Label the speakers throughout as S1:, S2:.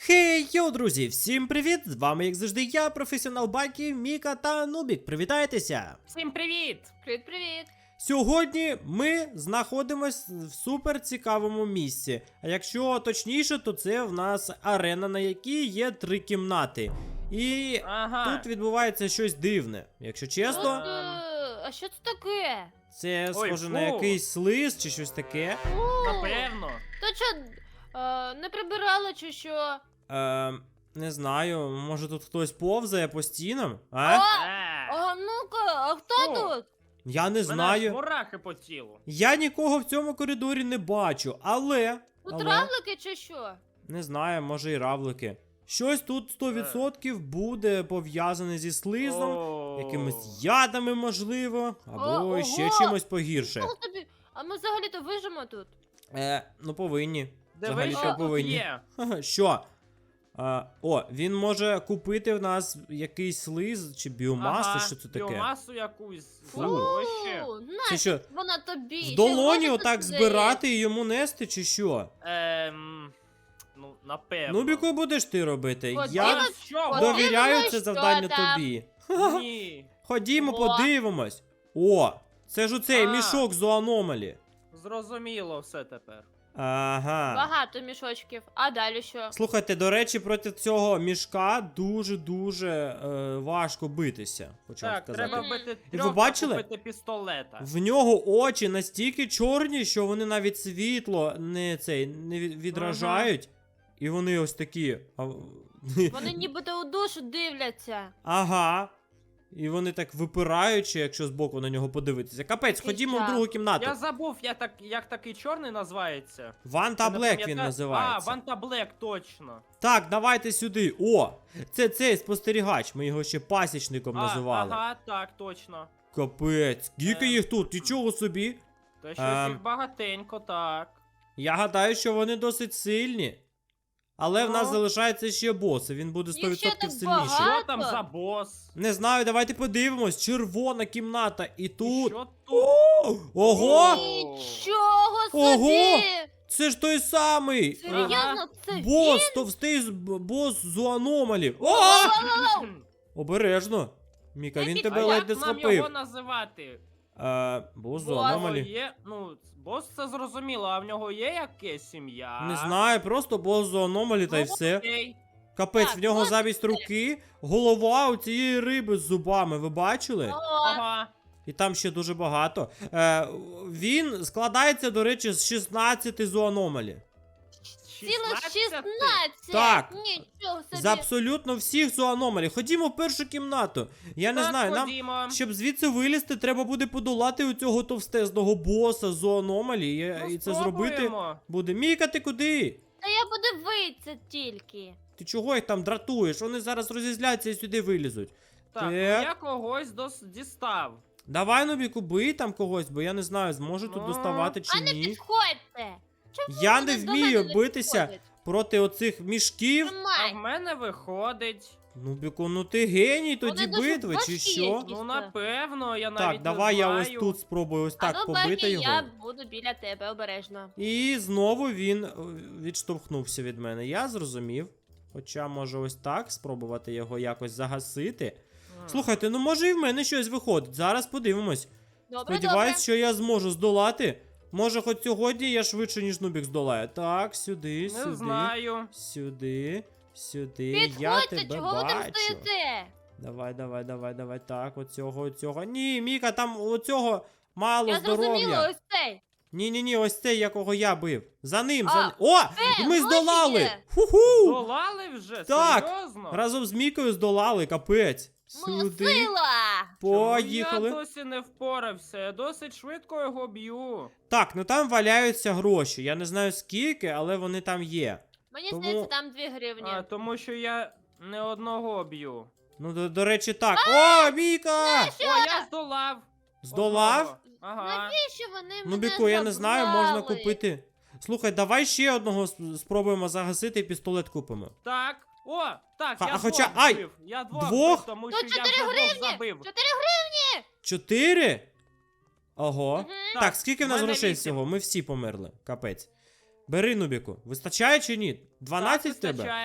S1: Хей, йоу, друзі! Всім привіт! З вами, як завжди, я, професіонал Бакі, Міка та Нубік. Привітайтеся!
S2: Всім привіт!
S3: Привіт-привіт!
S1: Сьогодні ми знаходимось в супер цікавому місці. А якщо точніше, то це в нас арена, на якій є 3 кімнати. І
S2: Ага.
S1: тут відбувається щось дивне. Якщо чесно,
S3: А що це таке?
S1: це
S2: Ой,
S1: схоже на
S2: фу.
S1: якийсь слиз чи щось таке.
S2: Напевно.
S3: То що, не прибирали чи що?
S1: Не знаю, може тут хтось повзає по стінам? А?
S3: Ну-ка, а хто
S2: О.
S3: тут?
S1: Я не
S2: Мене
S1: знаю.
S2: мурахи по тілу.
S1: Я нікого в цьому коридорі не бачу, але
S3: Тут равлики чи що?
S1: не знаю, може і равлики. Щось тут 100% буде пов'язане зі слизом, якимись ядами, можливо, або
S3: Ого!
S1: ще чимось погірше.
S3: Що тобі? А ми взагалі-то вижимо тут.
S1: Ну повинні.
S2: Дивись,
S1: Взагалі-то
S2: що тут
S1: повинні.
S2: є.
S1: Ха-ха, що? Він може купити в нас якийсь слиз чи біомасу,
S2: Ага,
S1: що це таке?
S2: Біомасу якусь.
S1: Фу.
S2: За гроші.
S1: Це
S3: Нащо
S1: що,
S3: вона тобі?
S1: в
S3: Ще
S1: долоні
S3: гроші
S1: отак
S3: тут
S1: збирати і йому нести, чи що?
S2: Ну, напевно.
S1: Нубіку будеш ти робити?
S3: Ходімо,
S1: Я
S2: Що?
S1: довіряю
S3: що
S1: це завдання
S3: там?
S1: тобі.
S2: Ні.
S1: Ходімо,
S3: О.
S1: подивимось. О, це ж оцей
S2: А.
S1: мішок з аномалі.
S2: Зрозуміло все тепер.
S1: Ага.
S3: Багато мішочків. А далі що?
S1: Слухайте, до речі, проти цього мішка дуже важко битися, почав
S2: Так,
S1: сказати.
S2: треба
S3: Мгм.
S2: бити
S1: І ви
S2: трьох,
S1: бачили?
S2: купити пістолета.
S1: В нього очі настільки чорні, що вони навіть світло не відражають. І вони ось такі.
S3: Вони нібито у душу дивляться.
S1: Ага. І вони так випираючи, якщо збоку на нього подивитися. Капець,
S3: Який
S1: ходімо в
S3: жах.
S1: другу кімнату.
S2: Я забув, як такий чорний називається.
S1: Ван та
S2: Я не
S1: Блек він
S2: пам'ятаю.
S1: називається.
S2: А, Ванта Блек, точно.
S1: Так, давайте сюди. О! Це цей спостерігач, ми його ще пасічником називали.
S2: Ага, так, точно.
S1: Капець, скільки їх тут? Нічого собі.
S2: Та щось їх багатенько, так.
S1: Я гадаю, що вони досить сильні. Але в нас
S2: Ну.
S1: залишається ще бос, і він буде 100%
S3: Їх ще так
S1: сильніший.
S3: багато.
S2: Що там за бос?
S1: Не знаю, давайте подивимось. Червона кімната. І тут.
S2: Що тут?
S1: Ого!
S3: Нічого
S1: Ого!
S3: собі!
S1: Це ж той самий.
S3: Серйозно, це
S1: Бос, товстий бос з аномалі. О! Обережно. Міка, він
S3: Як
S1: тебе
S2: А
S1: ледь не
S2: як нам
S1: схопив.
S2: його називати?
S1: Бос з
S3: Бос.
S1: аномалі.
S2: Є, бос це зрозуміло, а в нього є якесь ім'я?
S1: Не знаю, просто бос з аномалі та й все.
S2: Окей.
S1: Капець,
S3: Так,
S1: в нього
S3: бос
S1: замість руки голова у цієї риби з зубами, ви бачили?
S2: Ага.
S1: І там ще дуже багато. Він складається, до речі, з 16 зоономалі.
S3: Цілих 16!
S1: Так.
S3: Нічого собі!
S1: З абсолютно всіх зоономалі. Ходімо в першу кімнату. Я не
S2: Так,
S1: знаю, нам,
S2: ходімо.
S1: щоб звідси вилізти, треба буде подолати у цього товстезного боса зоономалі.
S2: Ну,
S1: І це зробити
S2: спробуємо.
S1: буде. Міка, ти куди?
S3: Та я буду вийти тільки.
S1: Ти чого їх там дратуєш? Вони зараз розізляться і сюди вилізуть.
S2: Так, ну я когось дістав.
S1: Давай, Нубіку, бий там когось, бо я не знаю, зможу тут
S2: Ну.
S1: доставати чи
S3: А не
S1: ні.
S3: підходьте! Чому
S1: Я
S3: вони
S1: не
S3: до
S1: вмію
S3: мене не
S1: битися
S3: підходять?
S1: проти оцих мішків.
S2: А
S3: Тримай!
S2: в мене виходить.
S1: Нубіку, ну ти геній тоді
S3: Вони дуже
S1: битви, чи
S3: важкі
S1: що?
S3: якісь.
S2: Ну,
S3: Дійсно.
S2: напевно, я навіть
S1: Так,
S2: не
S1: давай я ось
S2: знаю.
S1: тут спробую ось так
S3: а ну,
S1: побити
S3: Бакі,
S1: його.
S3: я буду біля тебе обережно.
S1: І знову він відштовхнувся від мене. Я зрозумів. Хоча може ось так спробувати його якось загасити. Слухайте, ну може і в мене щось виходить. Зараз подивимось.
S3: Добре,
S1: Сподіваюсь,
S3: добре.
S1: що я зможу здолати. Може, хоч сьогодні я швидше, ніж Нубік здолаю. Так, сюди,
S2: Не
S1: сюди.
S2: знаю.
S1: Сюди. Я
S3: Підходьте,
S1: тебе
S3: чого ви там
S1: бачу.
S3: стоїте?
S1: Давай. Так, оцього. Ні, Міка, там оцього мало
S3: Я зрозуміла,
S1: здоров'я.
S3: ось цей.
S1: Ні, ось цей, якого я бив. За ним,
S3: А,
S1: О! Ми
S3: гроші
S1: здолали!
S3: є.
S1: Ху-ху!
S2: Долали вже?
S1: Так.
S2: Серйозно?
S1: Разом з Мікою здолали, капець.
S3: Моя
S1: Сюди.
S3: сила!
S1: Поїхали.
S2: Я досі не впорався, я досить швидко його б'ю.
S1: Так, ну там валяються гроші. Я не знаю скільки, але вони там є.
S3: Мені
S1: Тому-
S3: здається, там 2 гривні.
S2: Тому що я не одного б'ю.
S1: Ну, до речі, так. О, Міка!
S2: О, я здолав.
S1: Здолав?
S2: Одного. Ага.
S3: Навіщо вони
S1: Ну,
S3: мене
S1: Біку, я не знаю, можна
S3: забрали?
S1: купити. Слухай, давай ще одного спробуємо загасити і пістолет купимо.
S2: Так. О, так,
S1: А
S2: я
S1: хоча-
S2: двох
S1: ай!
S2: збив. Я двох
S1: Двох?
S2: збив, тому
S3: Тут
S2: що я
S3: 4
S2: вже двох
S3: гривні!
S2: забив.
S3: 4 гривні!
S1: 4? Ого.
S3: Мгм.
S1: Так, скільки в нас
S2: мене
S1: грошей
S2: 8.
S1: всього? Ми всі померли. Капець. Бери, Нубіку. Вистачає чи ні? 12 в
S2: Так,
S1: тебе?
S2: вистачає.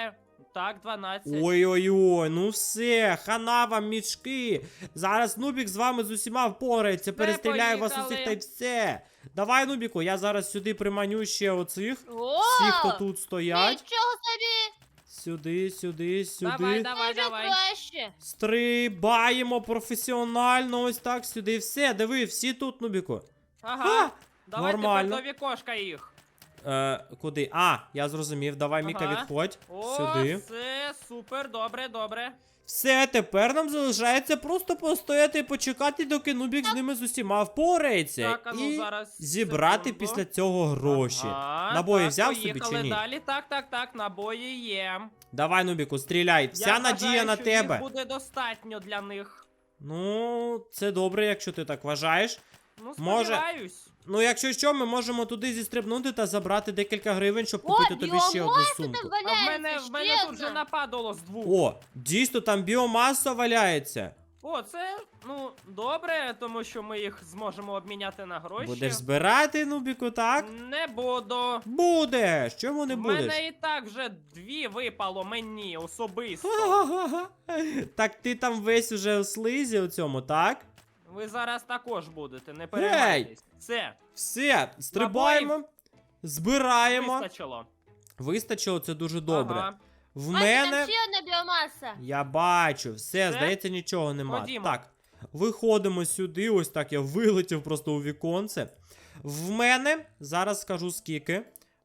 S2: Так, 12.
S1: Ой-ой-ой, ну все, хана вам мішки. Зараз Нубік з вами з усіма впорається, перестріляє вас
S2: поїхали.
S1: усіх та й все. Давай, Нубіку, я зараз сюди приманю ще оцих.
S3: О,
S1: Всі, хто тут стоять.
S3: нічого собі!
S1: Сюди, сюди, сюди.
S2: Давай, давай,
S3: Вже
S2: давай.
S3: краще.
S1: Стрибаємо професіонально, ось так сюди. Все, диви, всі тут, Нубіку.
S2: Ага. Давай
S1: нормально.
S2: тепер до вікошка їх.
S1: Куди? А, я зрозумів. Давай, Міка,
S2: Ага.
S1: відходь.
S2: О,
S1: Сюди.
S2: все, супер, добре, добре.
S1: Все, тепер нам залишається просто постояти і почекати, доки Нубік з ними з усіма впорається.
S2: Так, а ну
S1: і
S2: зараз.
S1: зібрати
S2: секунду.
S1: після цього гроші.
S2: Ага,
S1: Набої
S2: так,
S1: взяв собі
S2: поїхали
S1: чи ні?
S2: Далі. Так, набої є.
S1: Давай, Нубіку, стріляй. Вся
S2: Я
S1: надія
S2: вважаю,
S1: на
S2: що
S1: тебе.
S2: їх буде достатньо для них.
S1: Ну, це добре, якщо ти так вважаєш.
S2: Ну,
S1: Може,
S2: сподіваюсь.
S1: Ну, якщо що, ми можемо туди зістрибнути та забрати декілька гривень, щоб
S3: О,
S1: купити тобі ще одну
S3: біомаса
S1: сумку.
S3: там
S2: А в
S3: валяється,
S2: мене
S3: ще
S2: тут вже
S3: одна.
S2: нападало з двох.
S1: О, дійсно, там біомаса валяється.
S2: О, це, ну, добре, тому що ми їх зможемо обміняти на гроші.
S1: Будеш збирати, Нубіку, так?
S2: Не буду.
S1: Будеш! Чому не
S2: В
S1: будеш?
S2: мене і так вже 2 випало мені особисто.
S1: Ха-ха-ха. Так ти там весь уже у слизі у цьому, так?
S2: Ви зараз також будете, не переймайтесь. Все,
S1: Все, стрибаємо, збираємо.
S2: вистачило.
S1: Вистачило, це дуже добре.
S2: Ага.
S1: В
S3: Бачите,
S1: мене.
S3: там ще одна біомаса.
S1: Я бачу, все,
S2: Все?
S1: здається, нічого нема.
S2: Ходімо.
S1: Так, виходимо сюди, ось так я вилетів просто у віконце. В мене, зараз скажу скільки.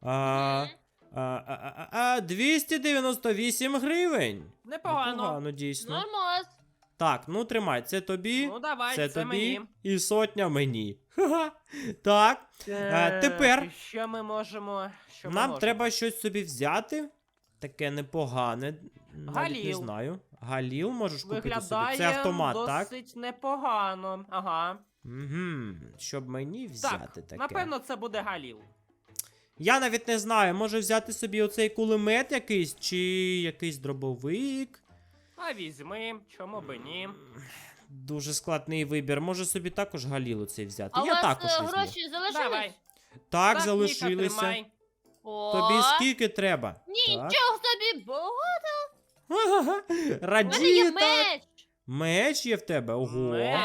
S1: 298 гривень.
S2: Непогано.
S1: Непогано, дійсно.
S3: Нормас.
S1: Так, ну тримай, це тобі,
S2: Ну давай,
S1: це
S2: це
S1: тобі
S2: мені.
S1: і сотня мені. Ха-ха. Так, тепер
S2: і що ми можемо. Що ми
S1: нам
S2: можемо?
S1: треба щось собі взяти. Таке непогане. Навіть не
S2: Галіл.
S1: знаю. Галіл можеш купити
S2: Виглядає
S1: собі. Це автомат, так?
S2: досить непогано. Ага.
S1: Угу. Щоб мені взяти таке.
S2: Напевно, це буде Галіл.
S1: Я навіть не знаю, може взяти собі оцей кулемет якийсь, чи якийсь дробовик.
S2: А візьми, чому би ні.
S1: Дуже складний вибір. Може собі також Галілу цей взяти.
S3: А у
S1: Я
S3: вас
S1: також візьму.
S3: гроші залишились?
S2: Давай.
S1: Так,
S2: Ніка,
S1: залишилися.
S2: тримай.
S3: О,
S1: Тобі скільки треба? Так.
S3: Нічого собі, бо
S1: Ха-ха-ха.
S3: в мене є
S1: Радіє так.
S3: меч.
S1: Меч є в тебе? Ого.
S2: Меч.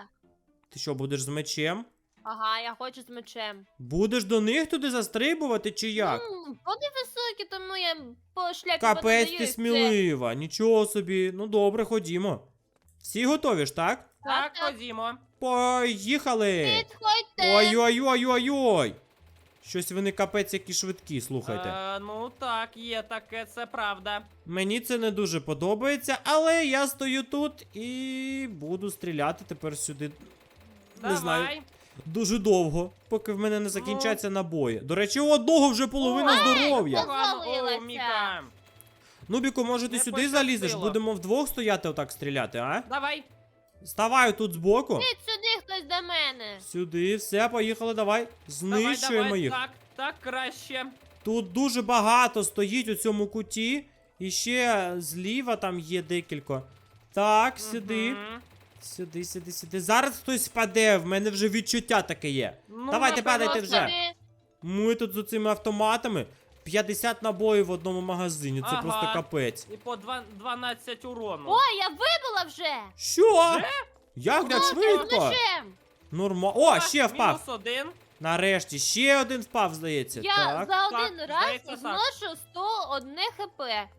S1: Ти що, будеш з мечем?
S3: Ага, я хочу з мечем.
S1: Будеш до них туди застрибувати чи як?
S3: Вони високі, тому я по шляпі
S1: Капець ти
S3: подаю,
S1: смілива, нічого собі. Ну добре, ходімо. Всі готові ж, так?
S2: Так,
S3: Так.
S2: ходімо.
S1: Поїхали!
S3: Підходьте.
S1: Ой-ой-ой-ой-ой! Щось вони капець які швидкі, слухайте.
S2: Ну так, є таке, це правда.
S1: Мені це не дуже подобається, але я стою тут і буду стріляти тепер сюди.
S2: Давай.
S1: Не знаю. Дуже довго, поки в мене не закінчаться набої. До речі, у одного вже половина здоров'я.
S3: Погано.
S2: О,
S3: Завалилася.
S2: Міка.
S1: Нубіку, може ти
S2: Не
S1: сюди залізеш?
S2: пощастило.
S1: Будемо вдвох стояти отак стріляти, а?
S2: Давай.
S1: Ставай тут збоку.
S3: Ідіть сюди хтось до мене.
S1: Сюди, все, поїхали, давай. Знищуємо
S2: давай,
S1: їх.
S2: Так краще.
S1: Тут дуже багато стоїть у цьому куті. І ще зліва там є декілька. Так, сюди.
S2: Мгм.
S1: Сюди. Зараз хтось впаде, в мене вже відчуття таке є.
S2: Ну,
S1: Давайте
S2: напевно,
S1: падайте вже.
S3: Собі.
S1: Ми тут з цими автоматами. 50 набоїв в одному магазині. Це
S2: Ага.
S1: просто капець.
S2: І по 12 урону.
S3: Ой, я вибила вже.
S1: Що? Як так
S3: З
S1: швидко?
S3: мечем.
S1: Нормально. О, ще впав.
S2: Мінус 1.
S1: Нарешті, ще один впав, здається.
S3: Я
S1: Так.
S3: за один
S2: Так,
S3: раз
S2: здається, так.
S3: зношу 101 хп.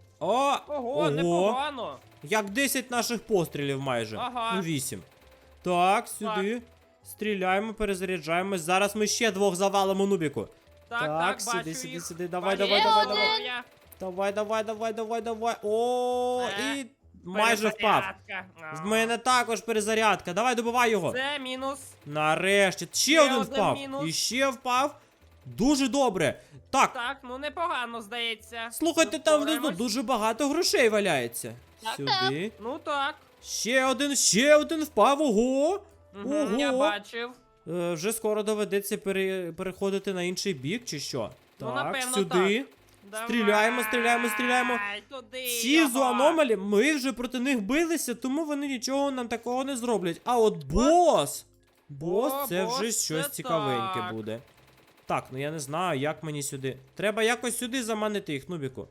S2: Ого, непогано.
S1: Як 10 наших пострілів майже.
S2: Ага.
S1: Ну 8. Так, сюди. Стріляємо, перезаряджаємось. Зараз ми ще двох завалимо Нубіку.
S2: Так,
S1: сюди,
S2: бачу
S1: сюди,
S2: їх.
S1: сюди. Давай,
S2: Бачу
S1: давай,
S2: їх.
S1: давай,
S3: давай.
S1: давай. Давай. О,
S2: Е,
S1: і майже впав.
S2: Перезарядка.
S1: В мене також перезарядка. Давай, добивай його.
S2: Це мінус.
S1: Нарешті. Ще
S2: Ще
S1: один
S2: один
S1: впав.
S2: мінус.
S1: І ще впав. Дуже добре. Так,
S2: Так, ну непогано, здається.
S1: слухайте,
S2: Ми
S1: там внизу
S2: впораємось.
S1: дуже багато грошей валяється.
S3: Так,
S1: Сюди.
S2: Ну так.
S1: Ще один впав. Ого.
S2: Мгм, я
S1: Ого.
S2: бачив.
S1: Вже скоро доведеться переходити на інший бік, чи що?
S2: Ну,
S1: Так,
S2: напевно,
S1: сюди. Стріляємо.
S2: Давай, Туди
S1: Ці
S2: його.
S1: зоономалі, ми вже проти них билися, тому вони нічого нам такого не зроблять. А от бос! Бос,
S2: О,
S1: це
S2: бос,
S1: вже
S2: це
S1: щось цікавеньке
S2: так.
S1: буде. Так, ну я не знаю, як мені сюди. Треба якось сюди заманити їх, Нубіку.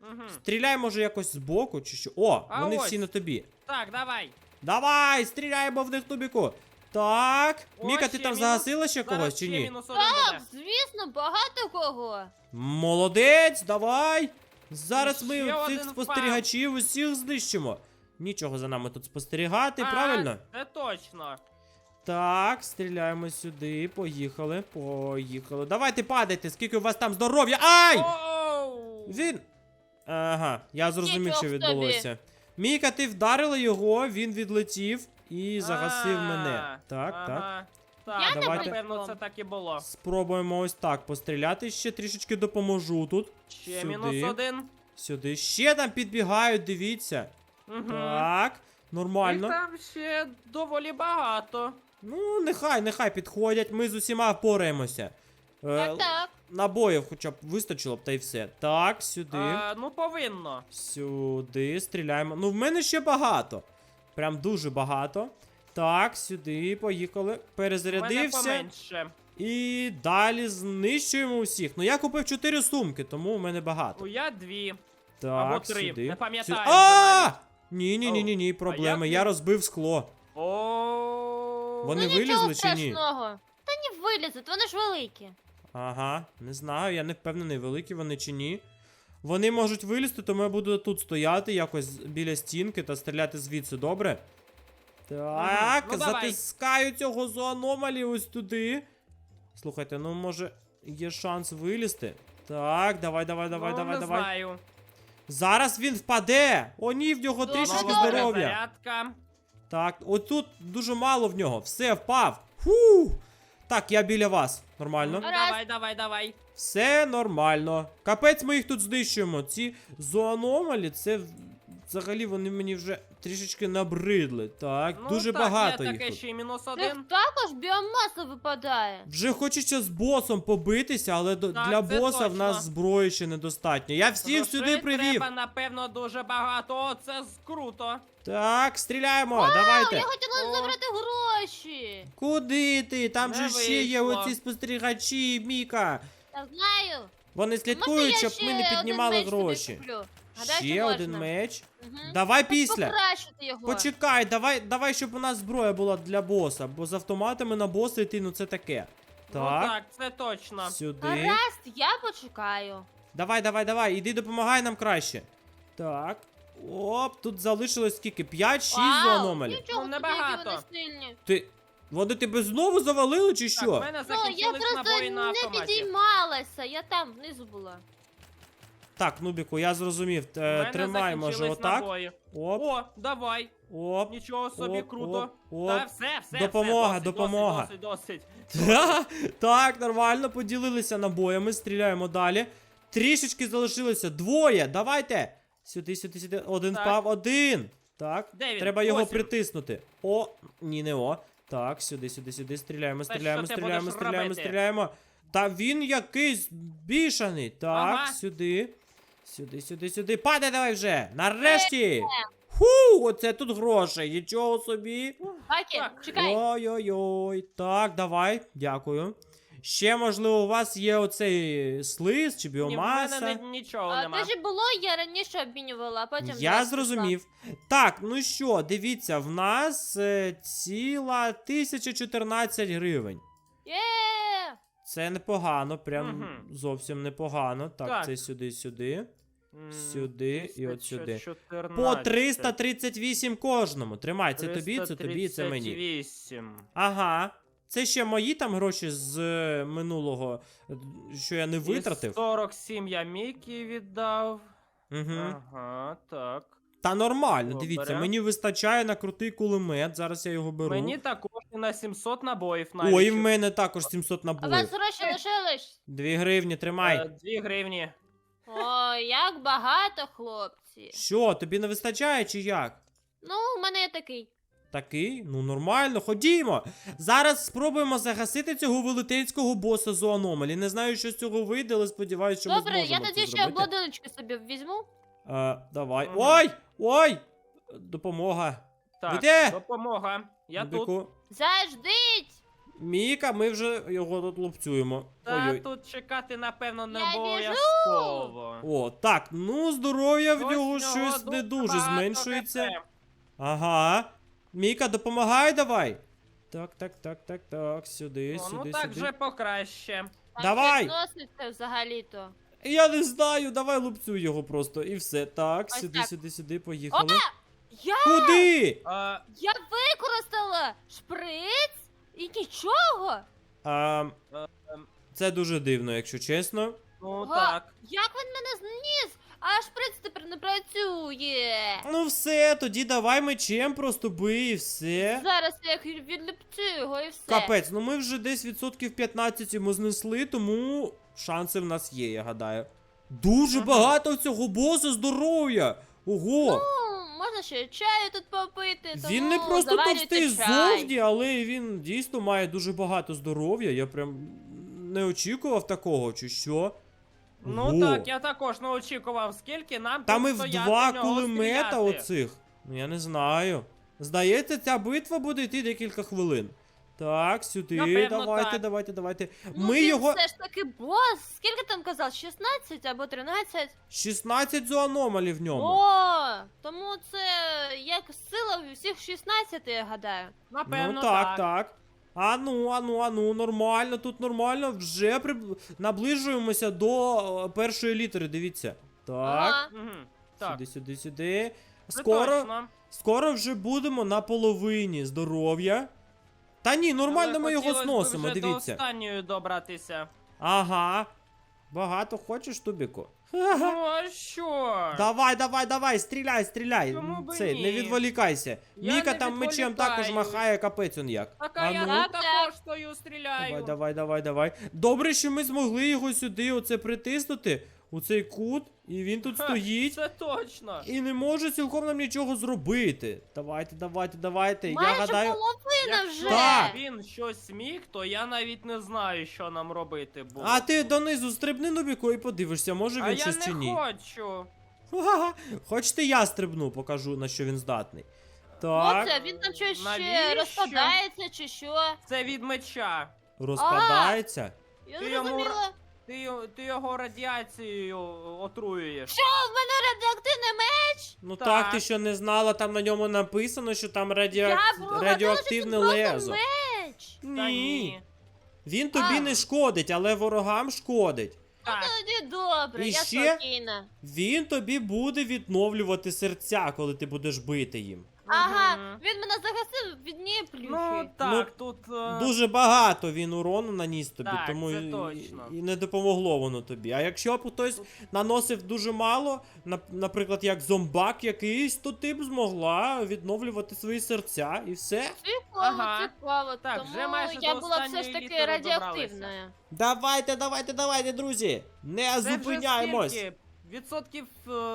S2: Угу.
S1: Стріляй, може, якось збоку чи що. О,
S2: А
S1: вони
S2: ось.
S1: всі на тобі.
S2: Так, давай.
S1: Давай, стріляємо в них, Нубіку. Так.
S2: О,
S1: Міка, ти
S2: ще
S1: там
S2: мінус.
S1: загасила ще когось
S2: Зараз
S1: чи
S2: ще
S1: ні?
S2: мінус один
S3: Так,
S2: буде.
S3: звісно, багато кого.
S1: Молодець, давай. Зараз
S2: І
S1: ми
S2: ще
S1: цих
S2: один
S1: спостерігачів усіх знищимо. Нічого за нами тут спостерігати,
S2: А,
S1: правильно?
S2: Це точно.
S1: Так, стріляємо сюди. Поїхали, поїхали. Давайте падайте, скільки у вас там здоров'я. Ай!
S2: Оу!
S1: Він. Ага, я зрозумів,
S3: Нічого
S1: що
S3: собі.
S1: відбулося. Міка, ти вдарила його, він відлетів і загасив мене. Так, так.
S2: ага. Так,
S3: Я
S1: Давайте.
S2: напевно, це так і було.
S1: Спробуємо ось так постріляти. Ще трішечки допоможу тут.
S2: Ще
S1: Сюди.
S2: мінус один.
S1: Сюди. Ще там підбігають, дивіться.
S2: Угу.
S1: Так,
S2: Їх
S1: нормально.
S2: там ще доволі багато.
S1: Ну, нехай підходять, ми з усіма впораємося.
S3: Так.
S1: Набоїв хоча б вистачило б, та й все. Так, сюди.
S2: Ну, повинно.
S1: Сюди стріляємо. Ну, в мене ще багато. Прям дуже багато. Так, сюди, поїхали.
S2: У мене
S1: Перезарядився.
S2: поменше.
S1: І далі знищуємо усіх. Ну, я купив 4 сумки, тому у мене багато.
S2: Я дві.
S1: Так,
S2: або 3,
S1: сюди.
S2: не пам'ятаю
S1: Сюди.
S2: вже навіть.
S1: Ні, проблеми.
S2: як
S1: Я
S2: він?
S1: розбив скло.
S2: О.
S1: Вони
S3: Ну нічого
S1: вилізли чи ні?
S3: страшного. Та не вилізуть, вони ж великі.
S1: Ага, не знаю, я не впевнений, великі вони чи ні. Вони можуть вилізти, тому я буду тут стояти якось біля стінки та стріляти звідси, добре? Так,
S2: Ну, давай.
S1: затискаю цього зоономалі ось туди. Слухайте, ну може є шанс вилізти? Так, давай.
S2: Не знаю.
S1: Зараз він впаде! О, ні, в нього
S3: Добре,
S1: трішечки
S3: добре.
S1: здоров'я.
S2: Зарядка.
S1: Так, отут дуже мало в нього. Все, впав. Фу. Так, я біля вас. Нормально.
S3: Гаразд.
S2: Давай.
S1: Все нормально. Капець, ми їх тут знищуємо. Ці зоономалі, це взагалі вони мені вже трішечки набридли. Так,
S2: Ну,
S1: дуже
S2: так,
S1: багато
S2: є
S1: їх
S2: таке
S1: тут.
S2: ще й мінус
S3: В них
S2: один.
S3: також біомаса випадає.
S1: Вже хочеться з босом побитися, але
S2: Так,
S1: для
S2: це
S1: боса в
S2: точно.
S1: нас зброї ще недостатньо. Я всіх
S2: Грошей
S1: сюди привів.
S2: Треба, напевно, дуже багато. О, це круто.
S1: Так, стріляємо,
S3: Я
S1: давайте.
S3: хотіла
S2: О.
S3: забрати гроші.
S1: Куди ти? Там
S2: Не
S1: же ще є
S2: вийшло.
S1: оці спостерігачі, Міка.
S3: Я знаю.
S1: Вони
S3: Можна
S1: слідкують,
S3: я
S1: щоб
S3: ще
S1: ми не
S3: один
S1: піднімали
S3: меч тобі
S1: гроші.
S3: куплю? Гадаю,
S1: Ще
S3: що
S1: один
S3: можна.
S1: меч.
S3: Мгм.
S1: Давай
S3: Щоб
S1: після.
S3: покращити його.
S1: Почекай, давай, щоб у нас зброя була для боса, бо з автоматами на боса йти, ну це таке.
S2: Ну
S1: Так,
S2: так, це точно.
S1: сюди.
S3: Гаразд, я почекаю.
S1: Давай, іди допомагай нам краще. Так. Оп, тут залишилось скільки? 5-6 зоономалі.
S3: Нічого,
S2: Ну,
S3: собі,
S2: небагато.
S3: які вони сильні.
S1: Вони тебе знову завалили чи
S2: Так, в
S1: що?
S2: мене
S3: Ну, я
S2: закінчились
S3: просто
S2: набої на
S3: не
S2: автоматі.
S3: підіймалася, я там внизу була.
S1: Так, Нубіку, я зрозумів.
S2: В мене
S1: Тримай, може,
S2: закінчились
S1: отак.
S2: набої.
S1: Оп,
S2: О, давай.
S1: оп.
S2: Нічого собі,
S1: Оп,
S2: круто.
S1: оп,
S2: Та
S1: оп.
S2: все,
S1: Допомога,
S2: досить,
S1: допомога.
S2: Досить.
S1: Так, нормально, поділилися набоями, стріляємо далі. Трішечки залишилося. Двоє, давайте. Сюди. Один
S2: Так.
S1: впав, один. Так,
S2: Де він?
S1: треба його
S2: Ось він.
S1: притиснути. О, ні, не о. Так, сюди. Стріляємо.
S2: Та що ти будеш робити?
S1: Стріляємо. Та він якийсь бішаний. Так,
S2: Ага.
S1: сюди. Падай давай вже. Нарешті. Ху, оце тут грошей. Нічого собі.
S3: Хакі,
S2: Так.
S3: чекай.
S1: Ой-ой-ой. Так, давай. Дякую. Ще, можливо, у вас є оцей слиз чи
S2: Ні, в
S1: біомаса.
S2: мене нічого
S3: А,
S2: нема.
S3: те ж було, я раніше обмінювала, а потім...
S1: Я
S3: зараз
S1: зрозумів. Так, ну що, дивіться, в нас ціла 1014 гривень.
S3: прийшла. Є!
S1: Це непогано, прям
S2: Мгм.
S1: зовсім непогано. Так,
S2: Так.
S1: це сюди.
S2: М,
S1: Сюди і от сюди.
S2: 1114.
S1: По 338 кожному. Тримай, це тобі, це мені.
S2: 338.
S1: Ага. Це ще мої там гроші з минулого, що я не витратив.
S2: І 47 я Мікі віддав.
S1: Угу.
S2: Ага, так.
S1: Та нормально,
S2: Добре.
S1: дивіться, мені вистачає на крутий кулемет. Зараз я його беру.
S2: Мені також і на 700 набоїв навіть.
S1: Ой, і в мене також 700
S3: А у вас
S1: набоїв.
S3: гроші лишились?
S1: 2 гривні, тримай.
S2: 2 гривні.
S3: Ой, як багато, хлопці.
S1: Що, тобі не вистачає чи як?
S3: Ну, у мене є такий.
S1: Такий? Ну нормально, ходімо. Зараз спробуємо загасити цього велетенського боса зоономалі. Не знаю, що з цього вийде, але сподіваюся, що ми
S3: Добре,
S1: зможемо
S3: я
S1: це
S3: тоді ще
S1: зробити.
S3: обладуночки собі візьму.
S1: Давай.
S2: Ага.
S1: Ой! Допомога.
S2: Так,
S1: Ви де?
S2: допомога. Я тут.
S1: Нубіку.
S3: Заждіть!
S1: Міка, ми вже його тут лупцюємо.
S2: Та
S1: Ой-ой.
S2: тут чекати, напевно, не
S3: Я біжу!
S2: обов'язково.
S1: О, так, ну здоров'я в
S2: Ось
S1: нього
S2: в нього
S1: щось не дуже
S2: багато
S1: зменшується.
S2: ГП.
S1: Ага. Міка, допомагай давай. Так, сюди,
S2: О,
S1: сюди,
S2: ну так
S1: сюди.
S2: вже покраще.
S3: Там
S1: Давай!
S3: щось носиться взагалі-то.
S1: Я не знаю, давай лупцю його просто і все. Так,
S3: Ось
S1: сюди,
S3: так.
S1: сюди, поїхали.
S3: Я
S1: Куди?
S3: Я використала шприц і нічого.
S1: Це дуже дивно, якщо чесно.
S2: Ну
S3: Ого,
S2: так.
S3: Як він мене зніс? А шприц тепер не працює.
S1: Ну все, тоді давай мечем просто бий і все.
S3: Зараз я відліпцю його і все.
S1: Капець, ну ми вже десь відсотків 15 йому знесли, тому шанси в нас є, я гадаю. Дуже
S2: Ага.
S1: багато в цього боса здоров'я. Ого!
S3: Ну, можна ще чаю тут попити, тому
S1: Він не просто
S3: заварюйте
S1: товстий
S3: чай.
S1: ззовні, але він дійсно має дуже багато здоров'я. Я прям не очікував такого, чи що?
S2: Ну
S1: Ого.
S2: так, я також не очікував, скільки нам
S1: Там
S2: тут
S1: і в
S2: стояти,
S1: 2
S2: в нього
S1: кулемета
S2: стріляти.
S1: оцих. Ну я не знаю. Здається, ця битва буде йти декілька хвилин. Так, сюди,
S2: Напевно,
S1: давайте.
S3: Ну,
S1: Ми
S3: він
S1: його.
S3: все ж таки бос. Скільки там казав? 16 або 13?
S1: 16 зоаномалій в ньому.
S3: О, тому це як сила у всіх 16, я гадаю.
S2: Напевно,
S1: Ну так. Ану, нормально, тут нормально. Вже наближуємося до першої літери, дивіться. Так,
S3: Ага.
S2: Мгм. Так,
S1: сюди.
S2: це
S1: Скоро,
S2: точно.
S1: скоро вже будемо на половині здоров'я. Та ні, нормально
S2: Але
S1: ми його
S2: хотілося б
S1: зносимо,
S2: вже
S1: дивіться.
S2: до останньої добратися.
S1: Ага. Багато хочеш, Тубіку?
S2: Ну а що?
S1: Давай, стріляй.
S2: Чому б
S1: Цей,
S2: ні?
S1: не відволікайся.
S2: Я
S1: Міка
S2: не
S1: там мечем також
S2: відволікаюсь.
S1: махає, капець он як.
S2: Так, а я
S1: ну.
S3: Так,
S2: також стою, стріляю.
S1: Давай. Добре, що ми змогли його сюди оце притиснути, у цей кут, і він тут
S2: Ха,
S1: стоїть.
S2: Це точно.
S1: І не може цілком нам нічого зробити. Давайте. Я
S3: Майже
S1: гадаю.
S3: половина вже.
S1: Так.
S2: Він щось міг, то я навіть не знаю, що нам робити було.
S1: А ти донизу стрибни, Нубіку, і подивишся, може
S2: А
S1: він
S2: я
S1: щось чи
S2: не
S1: ні.
S2: хочу.
S1: Ха-ха-ха. Хочете, я стрибну, покажу, на що він здатний. Так,
S3: Оце, він там щось ще
S2: Навіщо?
S3: розпадається чи що?
S2: Це від меча.
S1: розпадається.
S3: Я
S2: Ти
S3: не
S2: йому
S3: зрозуміла.
S2: Ти його радіацією отруюєш.
S3: Що, в мене радіоактивний меч?
S1: Ну
S2: Так.
S1: так, ти що не знала, там на ньому написано, що там
S3: Я гадала,
S1: радіоактивне
S3: що це просто
S1: лезо.
S3: меч.
S2: Та ні.
S1: Він тобі
S3: А.
S1: не шкодить, але ворогам шкодить.
S2: Так.
S3: Тоді добре,
S1: І
S3: я
S1: ще?
S3: спокійна.
S1: Він тобі буде відновлювати серця, коли ти будеш бити їм.
S3: Ага,
S2: Мгм.
S3: він мене захистив від однієї плюхи.
S2: Ну так, тут.
S1: Дуже багато він урону наніс тобі,
S2: Так,
S1: тому
S2: це
S1: і,
S2: точно.
S1: і не допомогло воно тобі. А якщо б хтось наносив дуже мало, наприклад, як зомбак якийсь, то ти б змогла відновлювати свої серця і все.
S3: Цікаво,
S2: Ага.
S3: цікаво.
S2: Так,
S3: Тому
S2: вже майже
S3: я
S2: до
S3: була все
S2: останньої
S3: ж таки
S2: літери
S3: радіоактивною.
S1: Давайте, друзі! Не
S2: Це вже
S1: зупиняємось!
S2: скільки? Відсотків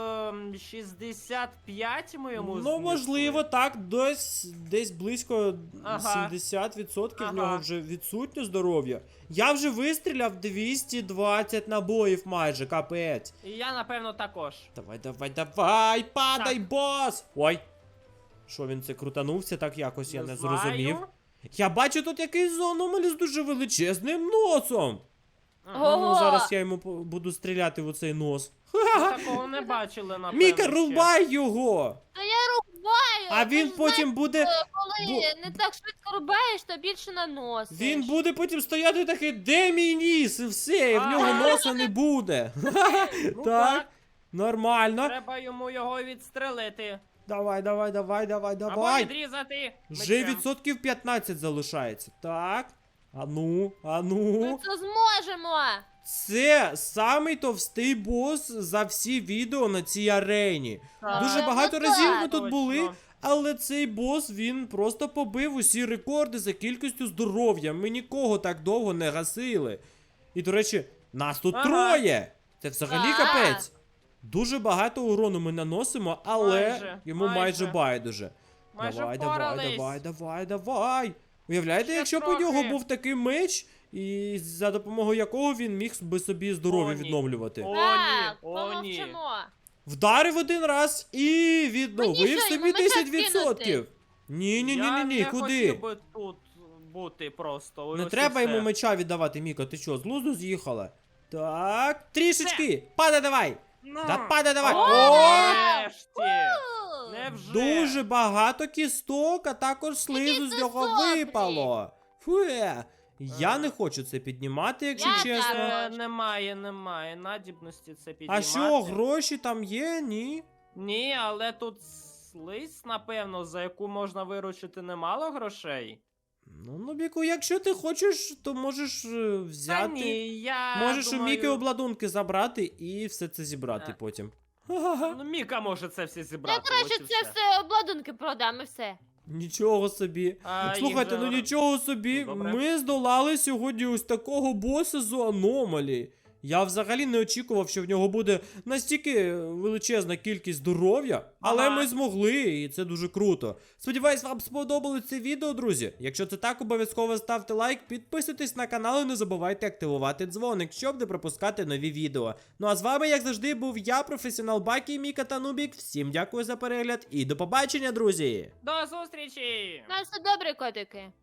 S2: 65 ми йому
S1: Ну,
S2: знесли.
S1: можливо, так, десь близько
S2: Ага.
S1: 70% в
S2: Ага.
S1: нього вже відсутнє здоров'я. Я вже вистріляв 220 набоїв майже, капець.
S2: І я, напевно, також.
S1: Давай, падай,
S2: Так.
S1: бос! Ой. Що він це крутанувся, так якось я не зрозумів.
S2: знаю.
S1: Я бачу тут якийсь зоономаль з дуже величезним носом.
S2: Ага.
S3: Ого.
S1: Ну, зараз я йому буду стріляти в оцей нос.
S2: Ми такого не бачили, напевно.
S1: Міка,
S2: ще.
S1: рубай його!
S3: Та я рубаю!
S1: А
S3: ти
S1: він
S3: ж
S1: потім буде.
S3: знаєш, коли не так швидко рубаєш, то більше наносиш.
S1: Він буде потім стояти такий, де мій ніс? І все, і в нього
S2: Ага.
S1: носа не буде.
S2: Ну,
S1: Так, нормально.
S2: Треба йому його відстрелити.
S1: Давай.
S2: Або відрізати.
S1: Вже
S2: мечем.
S1: відсотків 15 залишається. Так.
S3: Ми
S1: Ану.
S3: це зможемо!
S1: Це самий товстий бос за всі відео на цій арені.
S2: Так.
S1: Дуже
S3: Ну,
S1: багато
S3: так,
S1: разів ми тут
S2: точно.
S1: були, але цей бос, він просто побив усі рекорди за кількістю здоров'я. Ми нікого так довго не гасили. І, до речі, нас тут
S2: Ага.
S1: троє. Це взагалі
S3: Так.
S1: капець. Дуже багато урону ми наносимо, але
S2: Майже,
S1: йому майже байдуже.
S2: Майже
S1: Давай.
S2: впорались.
S1: Уявляєте,
S2: Ще
S1: якщо б у
S2: трохи.
S1: нього був такий меч, і за допомогою якого він міг би собі здоров'я
S2: О, ні.
S1: відновлювати.
S2: О,
S3: Так,
S2: ні, о, ні.
S3: помовчимо.
S1: Вдарив один раз і відновив
S3: Мені що,
S1: собі
S3: йому меча
S1: 10%. Ні,
S2: Я не
S1: куди?
S2: хотів би тут бути просто.
S1: Не
S2: Ось і
S1: треба йому
S2: все.
S1: меча віддавати, Міка, ти що, з глузду з'їхала? Так, трішечки, падай давай!
S2: Ну,
S1: Да падай давай!
S3: О!
S2: нарешті! Невже?
S1: Дуже багато кісток, а також слизу з нього
S3: сосни.
S1: випало. Фуе. Я не хочу це піднімати, якщо
S3: Я
S1: чесно.
S3: так.
S2: Немає надібності це
S1: А
S2: піднімати.
S1: що, гроші там є? Ні.
S2: Ні, але тут слизь, напевно, за яку можна виручити немало грошей.
S1: Ну, Нубіку, якщо ти хочеш, то можеш
S2: Та
S1: взяти.
S2: ні, я
S1: Можеш у
S2: думаю...
S1: Міки обладунки забрати і все це зібрати
S2: Е.
S1: потім. Ха-ха-ха.
S2: Ну, Міка може це все
S3: Я
S2: зібрати.
S3: краще
S2: ось і
S3: це все обладунки продам і все.
S1: Нічого собі.
S2: А,
S1: Слухайте,
S2: їх же-
S1: ну нічого собі.
S2: Ну, добре.
S1: Ми здолали сьогодні ось такого боса з аномалі. Я взагалі не очікував, що в нього буде настільки величезна кількість здоров'я, але
S2: Ага.
S1: ми змогли, і це дуже круто. Сподіваюсь, вам сподобалось це відео, друзі. Якщо це так, обов'язково ставте лайк, підписуйтесь на канал і не забувайте активувати дзвоник, щоб не пропускати нові відео. Ну а з вами, як завжди, був я, професіонал Бакі, Міка та Нубік. Всім дякую за перегляд і до побачення, друзі!
S2: До зустрічі!
S3: На все добре, котики.